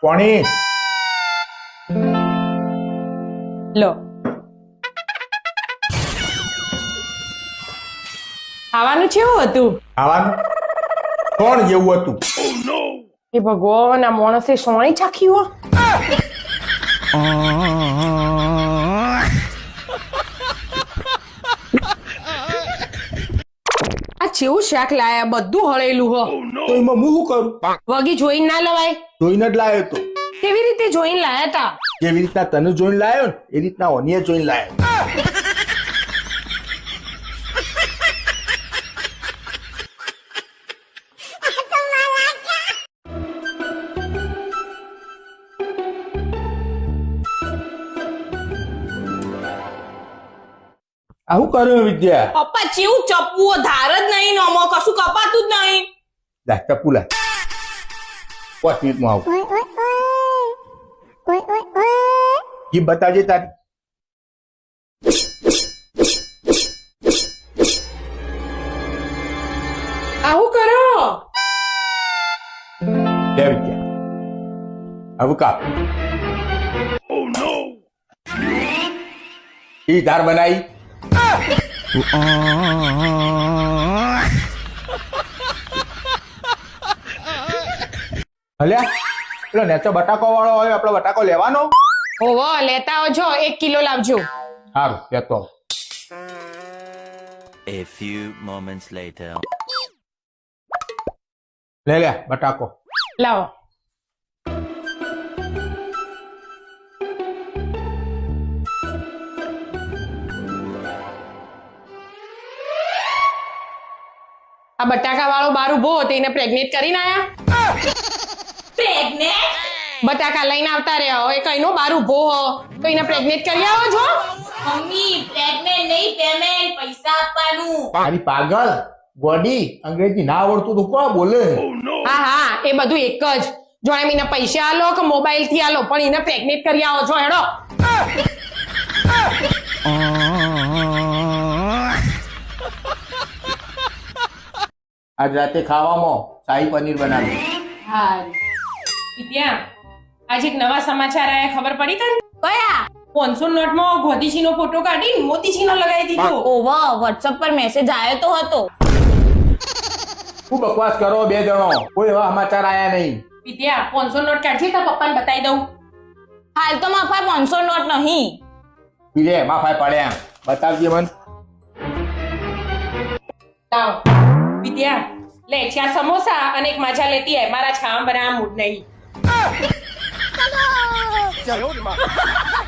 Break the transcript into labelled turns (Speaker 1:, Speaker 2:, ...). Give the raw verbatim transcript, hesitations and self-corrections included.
Speaker 1: કોણી
Speaker 2: લો ખાવાનું કેવું હતું?
Speaker 1: ખાવાનું કોણ જેવું હતું?
Speaker 2: એ ભગવાન, આ માણસે સોણી ચાખી હો. આ ચેવું શાક લાયા, બધું હળેલું હો.
Speaker 1: તો એમાં હું શું કરું?
Speaker 2: વગી જોઈને ના લવાય.
Speaker 1: જોઈને જ લાયો તો.
Speaker 2: કેવી રીતે જોઈને લાયા તા?
Speaker 1: જેવી રીતના તને જોઈને લાયો ને એ રીતના ઓનીએ જોઈને લાયો. આવું કર્યું વિદ્યા?
Speaker 2: પપ્પા ચેવું ચપ્પુઓ, ધાર જ નહીં, નમો કશું કપાતું જ નહીં.
Speaker 1: લા ચપ્પુ લા. પાંચ મિનિટમાં આવું. જીભ બતાવજે તારી.
Speaker 2: આવું કરો.
Speaker 1: લે વિદ્યા. આવું કાપ. ઈ ધાર બનાવી. હલ્યા પેલો નેચો બટાકો વાળો હોય, આપણો બટાકો લેવાનો.
Speaker 2: ઓવો, લેતા આવજો, એક કિલો લાવજો.
Speaker 1: સારું લેતો આવું.
Speaker 3: A few moments later.
Speaker 1: લે લે બટાકો.
Speaker 2: લાવો. આ બટાકા વાળો બાર ઉભો હતો, એને પ્રેગ્નેટ કરીને આયા. પ્રેગ્નેટ? બટાકા લઈને આવતા રહ્યા હોય, કઈનો બાર ઉભો હો તો એને પ્રેગ્નેટ કરી આવો છો.
Speaker 4: મમ્મી પ્રેગ્નેન્ટ નહીં, પેમેન્ટ પૈસા આપવાનું.
Speaker 1: તારી પાગલ ગોડી, અંગ્રેજી ના આવડતું તો કોણ બોલે?
Speaker 2: હા હા, એ બધું એક જ. જો એમ એને પૈસા આલો કે મોબાઈલ થી આલો, પણ એને પ્રેગ્નેટ કરી આવો છો. હેડો.
Speaker 1: આજ રાતે ખાવામાં શાહી પનીર બનાવી.
Speaker 2: હા વિદ્યા, આજે એક નવા સમાચાર આયા, ખબર પડી તને?
Speaker 4: કયા?
Speaker 2: પાંચસો નોટમાં ગોધીજી નો ફોટો કાઢી મોતીજી નો લગાવી દીધો.
Speaker 4: ઓવા વોટ્સએપ પર મેસેજ આવ્યો તો હતો.
Speaker 1: શું બકવાસ કરો બે જણો? કોઈ એવા સમાચાર આયા નહીં.
Speaker 2: વિદ્યા, પાંચસો નોટ કાઢી તો પપ્પાને બતાવી દઉં.
Speaker 4: હાલ તો મારા પાસે પાંચસો નોટ નહીં.
Speaker 1: પીલે માફાય પડ્યા, બતાવજે મન.
Speaker 2: લાવો વિદ્યા, લે ચાર સમોસા અને એક માજા લેતી આય, મારા છામ બનાવવા મૂડ નહીં.